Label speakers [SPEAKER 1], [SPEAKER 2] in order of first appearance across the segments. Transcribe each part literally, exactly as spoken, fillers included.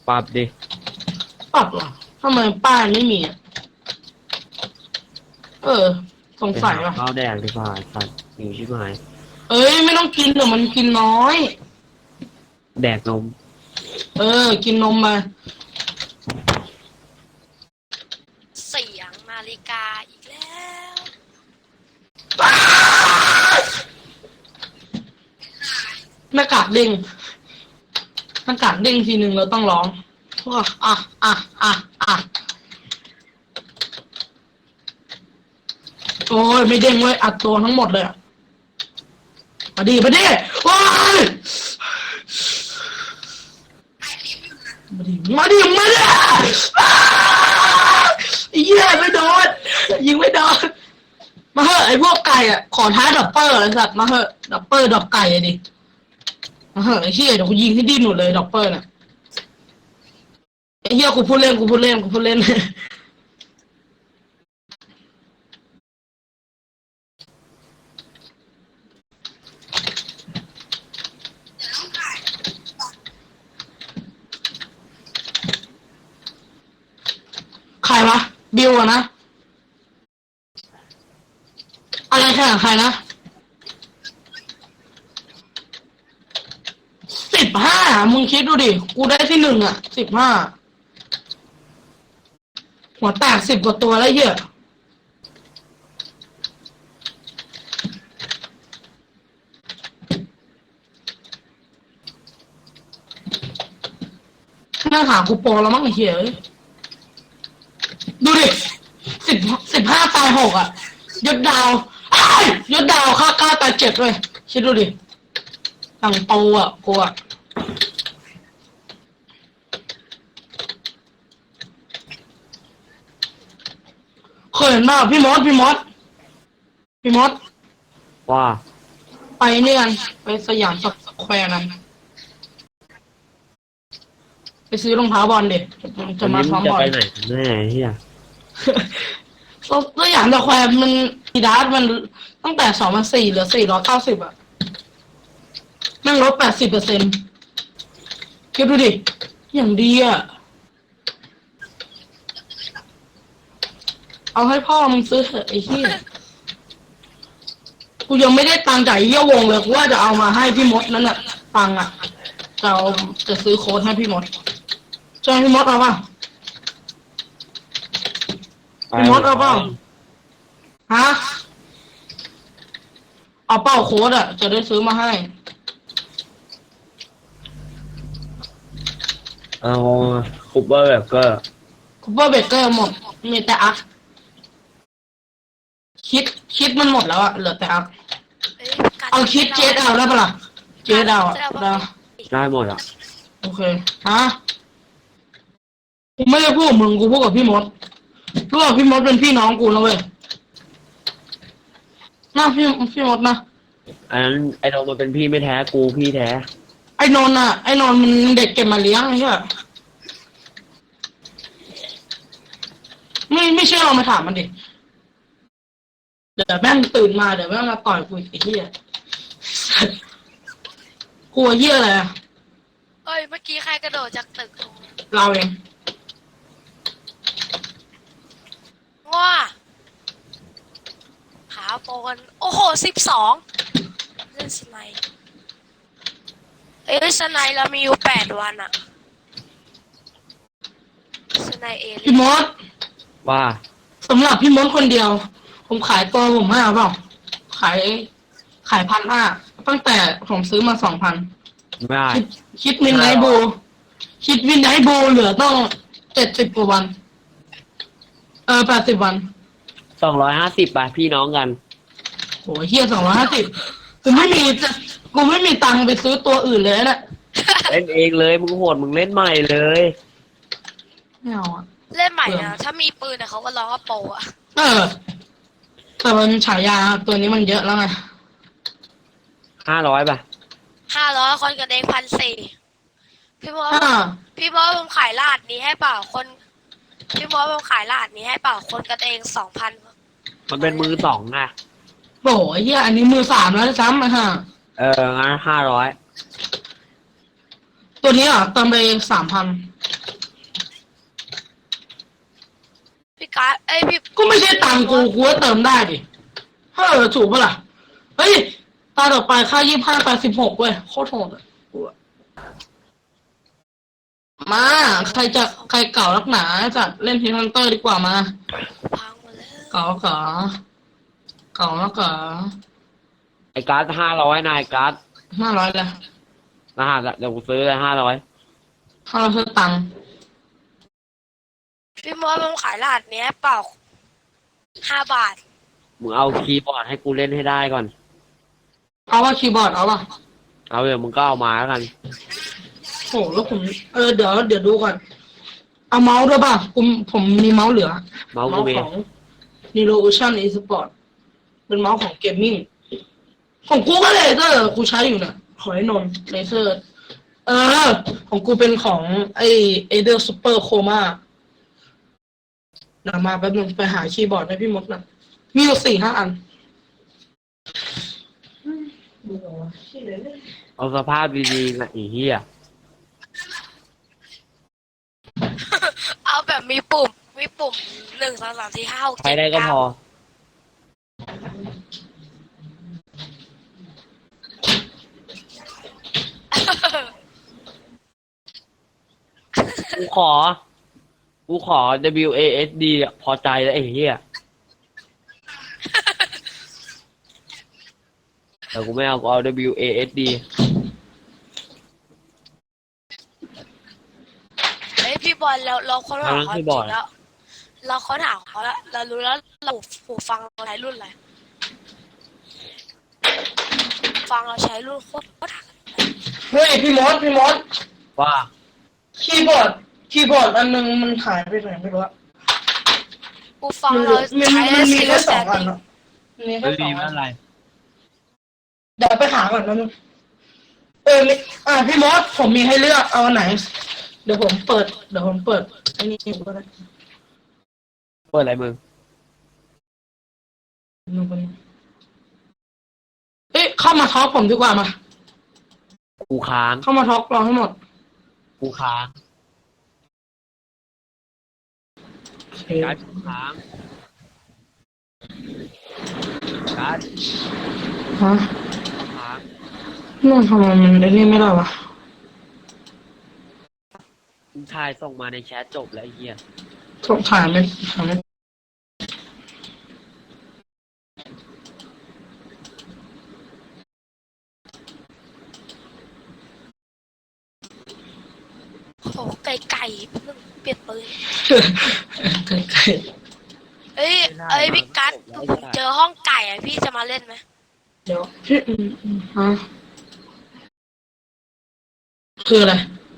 [SPEAKER 1] ปรับดิ
[SPEAKER 2] ปรับเหรอทำไมป้ายไม่มีอ่ะเออสงสัยว่ะ
[SPEAKER 1] ข้าวแดงดีกว่าสัตว์หิวชิบหาย
[SPEAKER 2] เอ้ยไม่ต้องกินเดี๋ยวมันกินน้อย
[SPEAKER 1] แดกนม
[SPEAKER 2] เออกินนมมา
[SPEAKER 3] เสียงนาฬิกาอีกแล้ว
[SPEAKER 2] หน้ากากเด้งหน้ากากเด้งทีหนึ่งเราต้องร้องอ่ะอ่ะอ่ะอ่ะอ่ะโอ้ยไม่เด้งเว้ยอัดตัวทั้งหมดเลยอะมาดิมาดิว้ายมาดิมาดิมาดิไอ้เหี้ยไม่โดนยิงไม่โดนมาเหอะไอ้พวกไก่อ่ะขอท้าดับเปอร์ไอ้สัตว์มาเหอะดับเปอร์ดับไก่อะดิมาเหอะไอ้เหี้ยเดี๋ยวกูยิงให้ดิ้นหมดเลยดับเปอร์น่ะไอ้เหี้ยกูพูดเล่นกูพูดเล่นกูพูดเล่นใครวะบิวอะนะอะไรแข่งใครนะสิบห้ามึงคิดดูดิกูได้ที่หนึ่งอ่ะสิบห้าหัวแตกสิบกว่าตัวแล้วเหี้ยหน้าหากูโปรแล้วมั้งไอ้เหี้ยดูดิสิบสิบห้าตายหกอ่ะยศดาวไอ้ยศดาวค่าเก้าตายเจ็ดเลยคิดดูดิตั้งโตอ่ะกูอ่ะเคยเห็นป่ะพี่มดพี่มดพี่มด
[SPEAKER 1] ว่า
[SPEAKER 2] ไปเนี่ยกันไปสยามสแควร์กันไปซื้อรองเท้าบอลเด็กจะมาซ้อมบอล
[SPEAKER 1] จะไปไหนแน่เฮีย
[SPEAKER 2] สยามสแควร์มันดีดาสมันตั้งแต่สองพันสี่เหลือสี่ร้อยเก้าสิบอ่ะแม่งลดแปดสิบเปอร์เซ็นต์คิดดูดิอย่างดีอ่ะเอาให้พ่อมึงซื้อเถอะไอ้เหี้ยกูยังไม่ได้ตังค์จ่ายเยี่ยวงเลยกูว่าจะเอามาให้พี่มดนั่นแหละตังค์อ่ะจะเอาจะซื้อโค้ดให้พี่มดใช่พี่มดเอาป่ะพี่มดเอาเปล่าฮะเอาเป้าโค้ดอ่ะจะได้ซื้อมาให้
[SPEAKER 1] เอาคูเปอร์แบบก็
[SPEAKER 2] คูเปอร์เบเกอร์หมดมีแต่อัพคิดคิดมันหมดแล้วอะเหลือแต่อัพเอาคิดเจสเอาได้ปะล่ะเจสเอาอะได้
[SPEAKER 1] ได้หมดอ่ะ
[SPEAKER 2] โอเคฮะกูไม่ได้พูดกับมึงกูพูดกับพี่มดรู้ว่าพี่มดเป็นพี่น้องกูนะเว้ยน่าพี่พี่มดนะ
[SPEAKER 1] อันนั้นไอ้โดมมันเป็นพี่ไม่แท้กูพี่แท้
[SPEAKER 2] ไอ้นนท์อะไอ้นนท์มันเด็กเก็บมาเลี้ยงใช่ไหมไม่ไม่เชื่อเรามาถามมันดิเดี๋ยวแม่งตื่นมาเดี๋ยวแม่งมาต่อยกูอีกไอ้เหี้ยกลัวเหี้ยอะไรอะ
[SPEAKER 3] เอ้ยเมื่อกี้ใครกระโดดจากตึก
[SPEAKER 2] เราเอง
[SPEAKER 3] ว้าหาโปนโอ้โหสิบสองเล่นสไนเอ้ยสไนเรามีอยู่แปดวันอะสไนเอล
[SPEAKER 2] พี่มด
[SPEAKER 1] ว่า
[SPEAKER 2] สำหรับพี่มดคนเดียวผมขายตัวผมห้าเปล่าขายขายพันห้าตั้งแต่ผมซื้อมาสองพัน
[SPEAKER 1] ไม่ได้
[SPEAKER 2] คิดวินไนท์บูคิดวินไนท์บูเหลือต้องเจ็ดสิบกว่าวันเออแปดสิบวัน
[SPEAKER 1] สองร้อยห้าสิบป่ะพี่น้องกัน
[SPEAKER 2] โหเฮียสองร้อยห้าสิบกูไม่มีจะกูไม่มีตังค์ไปซื้อตัวอื่นเลยนะ
[SPEAKER 1] เล่นเองเลยมึงโหดมึงเล่นใหม่เลย
[SPEAKER 2] ไม่เอาอะ
[SPEAKER 3] เล่นใหม่นะถ้ามีปืนเนี่ยเขาก็ร้องว่าโปอะ
[SPEAKER 2] เออแต่มันฉายาตัวนี้มันเยอะแล้วไง
[SPEAKER 1] ห้าร้อยป่ะ
[SPEAKER 3] ห้าร้อยคนกันเองพันสี่พี่บอสพี่บอสผมขายลาดนี้ให้เปล่าคนพี่บอสผมขายลาดนี้ให้เปล่าคนกันเองสองพัน
[SPEAKER 1] มันเป็นมือสองไง
[SPEAKER 2] โอ้ยเฮียอันนี้มือสามแล้วซ้ำนะฮะ
[SPEAKER 1] เอองั้นห้าร้อย
[SPEAKER 2] ตัวนี้อ่ะเติมไปสามพัน
[SPEAKER 3] พี่การ์ดเอ้ยพี่
[SPEAKER 2] ก็ไม่ใช่ตังค์กูกูก็เติมได้ดิเฮ้ยถูกปะล่ะเฮ้ยตาต่อไปค่ายี่ห้าแปดสิบหกเว้ยโคตรโหดอะกูอะมาใครจะใครเก่าลักหนาจะเล่นพีฮันเตอร์ดีกว่ามา
[SPEAKER 3] พังหมดแล้ว
[SPEAKER 2] เก่าเก่าเก่าแล้วเก่า
[SPEAKER 1] ไอ้การ์ดห้าร้อยนายการ์ด
[SPEAKER 2] ห้าร้อยเลย
[SPEAKER 1] รหัสอะเดี๋ยวกูซื้อเลยห้าร้อย
[SPEAKER 2] ห้าร้อยคือตังค์
[SPEAKER 3] พี่มอสผมขายรหัสนี้ให้เปล่าห้าบาท
[SPEAKER 1] มึงเอาคีย์บอร์ดให้กูเล่นให้ได้ก่อน
[SPEAKER 2] เอาว่าคีย์บอร์ดเอาป่ะ
[SPEAKER 1] เอาเดี๋ยวมึงก็เอามาแล้วกัน
[SPEAKER 2] โหแล้วผมเออเดี๋ยวเดี๋ยวดูก่อนเอาเมาส์ด้วยป่ะผมผมมีเมาส์เหลือ
[SPEAKER 1] เมาส์กูมี
[SPEAKER 2] ของ Nero Ocean Esport เป็นเมาส์ของเกมมิ่งของกูก็เลเซอร์กูใช้อยู่เนี่ยขอให้นนเลเซอร์เออ ของกูเป็นของไอเอเดอร์ซูเปอร์โคมาเดี๋ยวมาแป๊บนึงไปหาคีย์บอร์ดให้พี่มดหนะมีอยู่สี่ห้าอันดูเหรอวะชื่ออะไรเนี่ย
[SPEAKER 1] เอาสภาพดีๆนะไอ้เหี้ย
[SPEAKER 3] เอาแบบมีปุ่มมีปุ่มหนึ่งสองสามสี่ห้าหก
[SPEAKER 1] ใช้
[SPEAKER 3] เจ็ด
[SPEAKER 1] ได้ก็พอ กูขอ กูขอ ดับเบิลยู เอ เอส ดี อะพอใจแล้วไอ้เหี้ยแต่กูไม่เอา กูเอา ดับเบิลยู เอ เอส ดี
[SPEAKER 3] เฮ้ยพี่บอลเราเราค้นหา
[SPEAKER 1] เอาแล้ว
[SPEAKER 3] เขาจ
[SPEAKER 1] พี่
[SPEAKER 3] ริ
[SPEAKER 1] บอล
[SPEAKER 3] งแล้ว เราค้นหาเขาแล้วเรารู้แล้วเราหูฟังเราใช้รุ่นอะไรฟังเราใช้รุ่นโคตรโคตร
[SPEAKER 2] เฮ้ยพี่มดพี่มด
[SPEAKER 1] ว่า
[SPEAKER 2] คีย์บอร์ดคีย์บอร์ดอันนึงมันหายไปไหนไม่รู้อะ
[SPEAKER 3] หูฟัง
[SPEAKER 2] มัน
[SPEAKER 3] เรา
[SPEAKER 2] มัน
[SPEAKER 3] ใช้
[SPEAKER 2] มันมี
[SPEAKER 3] ซี
[SPEAKER 2] แค่
[SPEAKER 3] รีส์
[SPEAKER 2] ส
[SPEAKER 3] แซ
[SPEAKER 2] อง
[SPEAKER 3] น
[SPEAKER 2] อัน
[SPEAKER 3] ดิ้ง
[SPEAKER 2] เนาะมันมีแค่
[SPEAKER 1] ไม่
[SPEAKER 2] สอ
[SPEAKER 1] ดี
[SPEAKER 2] ง
[SPEAKER 1] ไม่
[SPEAKER 2] อัน
[SPEAKER 1] เป็นไร
[SPEAKER 2] เดี๋ยวไปหาก่อนนะมึงเออมีอ่าพี่มดผมมีให้เลือกเอาอันไหน เดี๋ยวผมเปิดเดี๋ยวผมเปิดไอ้นี่ก็ได้
[SPEAKER 1] เปิดอะไรมึง
[SPEAKER 2] มึงคนนี้เอ๊ะเข้ามาท็อกผมดีกว่ามา
[SPEAKER 1] กูค้าง
[SPEAKER 2] เข้ามาท็อกรอให้หมด
[SPEAKER 1] กูค้าง
[SPEAKER 2] โอเค
[SPEAKER 1] การ์ดกูค้างการ์ด
[SPEAKER 2] ฮะ
[SPEAKER 1] ค้าง
[SPEAKER 2] นู่นทำไมมันได้นี่ไม่ได้วะ
[SPEAKER 1] มึงชายส่งมาในแชทจบแล้วไอ้เหี้ย
[SPEAKER 2] ส่งถ่ายไม่ถ่ายไม่
[SPEAKER 3] โอ้โหไก่ไก่เพิ่งเปลี่ยนปืน
[SPEAKER 2] ไกลไกล
[SPEAKER 3] เอ้ยเอ้ยพี่กัสผมเจอห้องไก่อะพี่จะมาเล่นไหม
[SPEAKER 2] เดี๋ยวพี่อืมอืมฮะคืออะไร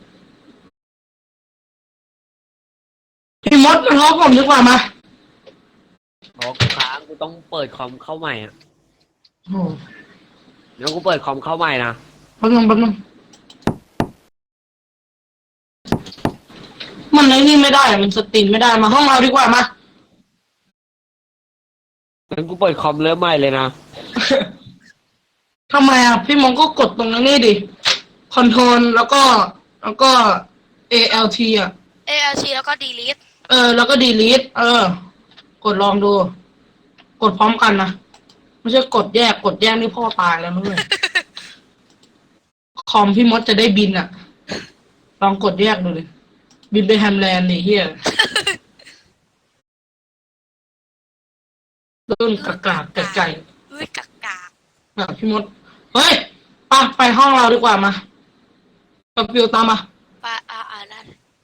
[SPEAKER 2] พี่มดมาท็อกผมดีกว่ามา
[SPEAKER 1] บอกกูค้างกูต้องเปิดคอมเข้าใหม่อ่ะ
[SPEAKER 2] โอ้
[SPEAKER 1] เดี๋ยวกูเปิดคอมเข้าใหม่นะ
[SPEAKER 2] แป๊บนึงแป๊บนึงมันไอ้นี่ไม่ได้อะมันสตรีมไม่ได้มาห้องเราดีกว่ามา
[SPEAKER 1] งั้นกูเปิดคอมเริ่มใหม่เลยนะ
[SPEAKER 2] ทำไมอ่ะพี่มงก็กดตรงนั้นนี่ดิคอนโทรลแล้วก็แล้วก็ เอ แอล ที อ่ะ
[SPEAKER 3] เอลซีแล้วก็ดีลิท
[SPEAKER 2] เออ แล้วก็ delete เออ กดลองดู กดพร้อมกันนะไม่ใช่กดแยกกดแยกนี่พ่อตายแล้วนะเว้ย คอมพี่มดจะได้บินอ่ะ ลองกดแยกดูเลยบินไปแฮมแลนด์นี่เฮียรุ่นกากากไก่ไก่
[SPEAKER 3] อุ้ยกากกาก
[SPEAKER 2] อ่ะพี่มด เฮ้ยไปไปห้องเราดีกว่ามากับฟิวตามมา
[SPEAKER 3] ปลาอ่าอ่านั่น